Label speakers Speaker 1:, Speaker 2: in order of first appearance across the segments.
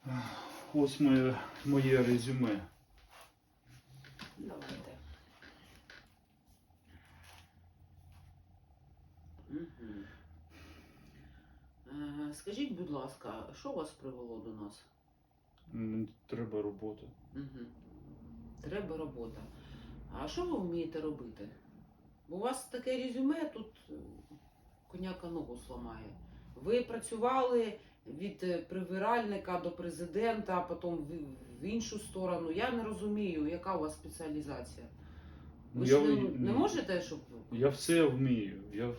Speaker 1: Ось моє резюме.
Speaker 2: Давайте. Скажіть, будь ласка, що вас привело до нас?
Speaker 1: Треба робота.
Speaker 2: Треба робота. А що ви вмієте робити? У вас таке резюме, тут коняка ногу зламає. Ви працювали від прибиральника до президента, а потім в іншу сторону. Я не розумію, яка у вас спеціалізація. Ви ж не можете, щоб...
Speaker 1: Я все вмію.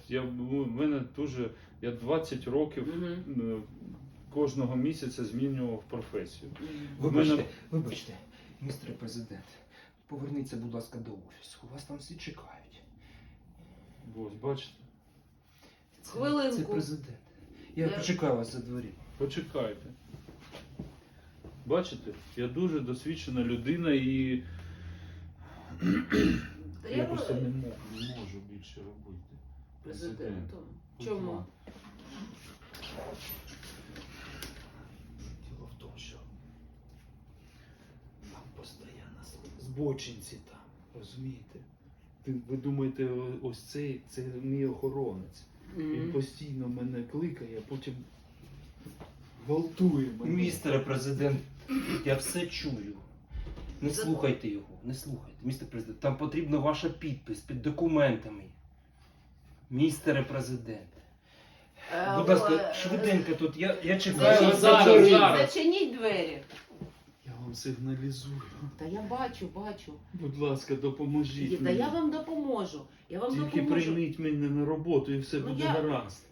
Speaker 1: Я 20 років кожного місяця змінював професію.
Speaker 3: Вибачте, містер президент, поверніться, будь ласка, до офісу. Вас там всі чекають.
Speaker 1: Ось, бачите?
Speaker 2: Хвилинку.
Speaker 3: Це президент. Я почекаю вас за дверима.
Speaker 1: Почекайте. Бачите? Я дуже досвідчена людина і я просто не можу більше робити.
Speaker 2: Президентом. Чому?
Speaker 1: Діло в тому, що там постійно збочинці там, розумієте? Ви думаєте, ось це мій охоронець. Він постійно мене кликає, а потім гвалтує мене.
Speaker 3: Містере президент, я все чую. Не слухайте його, не слухайте. Містер президент, там потрібна ваша підпис під документами. Містере президент. Будь ласка, швиденько тут, я чекаю вас за дверима.
Speaker 2: Зачиніть двері.
Speaker 1: Я вам сигналізую.
Speaker 2: Та я бачу.
Speaker 1: Будь ласка, допоможіть
Speaker 2: Та
Speaker 1: мені.
Speaker 2: я вам допоможу.
Speaker 1: Тільки прийміть мене на роботу і все буде гаразд.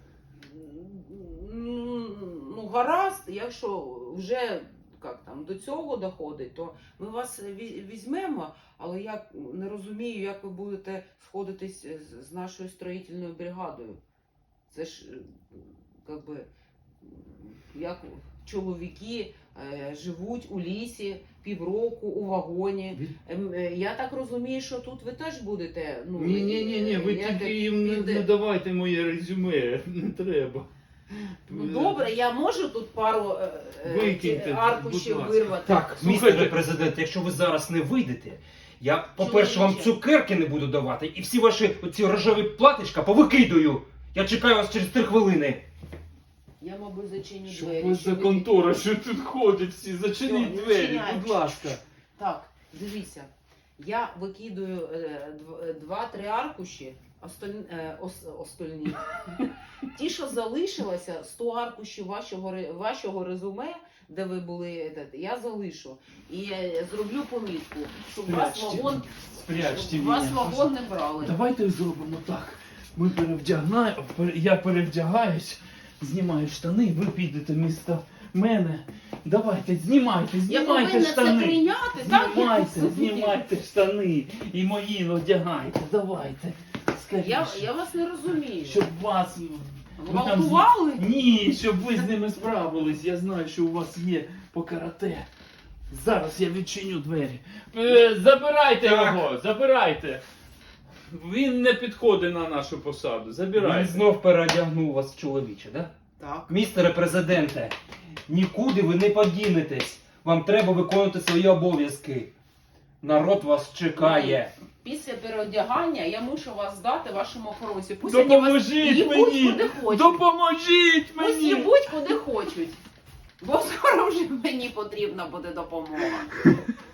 Speaker 2: Ну, гаразд, якщо вже до цього доходить, то ми вас візьмемо, але я не розумію, як ви будете сходитись з нашою строїтельною бригадою. Це ж, як чоловіки живуть у лісі півроку у вагоні. Я так розумію, що тут ви теж будете...
Speaker 1: Ні, ви тільки їм не давайте моє резюме, не треба.
Speaker 2: Ну добре, я можу тут пару
Speaker 1: Викиньте,
Speaker 2: аркушів
Speaker 1: будь ласка.
Speaker 2: вирвати.
Speaker 3: Так, містере президент, якщо ви зараз не вийдете, я, по-перше, вам цукерки не буду давати, і всі ваші оці рожеві платочка повикидую. Я чекаю вас через 3 хвилини.
Speaker 2: Я, мабуть, зачиню
Speaker 1: Що
Speaker 2: двері.
Speaker 1: ви за контора, що тут ходять всі? Зачиніть
Speaker 2: Що,
Speaker 1: двері,
Speaker 2: відчиняйте.
Speaker 1: будь ласка.
Speaker 2: Так, дивіться. Я викидую 2-3 аркуші, остальні. Ті, що залишилося, 100 аркушів вашого резюме, де ви були, я залишу. І зроблю помітку, щоб вас вагон не брали.
Speaker 1: Давайте зробимо так. Я перевдягаюсь, знімаю штани, ви підете вмісто мене. Давайте, знімайте
Speaker 2: Я повинна
Speaker 1: штани.
Speaker 2: це прийняти, так?
Speaker 1: Знімайте штани і мої одягайте. Давайте. Скажіть,
Speaker 2: Я вас не розумію.
Speaker 1: щоб вас...
Speaker 2: Гвалтували?
Speaker 1: Ні, щоб ви з ними справились. Я знаю, що у вас є по карате. Зараз я відчиню двері. Забирайте його, забирайте. Він не підходить на нашу посаду.
Speaker 3: Він
Speaker 1: Забирайте.
Speaker 3: знов переодягнув вас в чоловіче, да?
Speaker 2: Так.
Speaker 3: Містере президенте, нікуди ви не подінетесь. Вам треба виконувати свої обов'язки. Народ вас чекає.
Speaker 2: Після переодягання я мушу вас здати вашому охоронцю. Пусть вони вас
Speaker 1: Допоможіть
Speaker 2: їбуть
Speaker 1: мені!
Speaker 2: куди хочуть.
Speaker 1: Допоможіть
Speaker 2: Пусть
Speaker 1: мені!
Speaker 2: їбуть куди хочуть. Бо скоро вже мені потрібна буде допомога.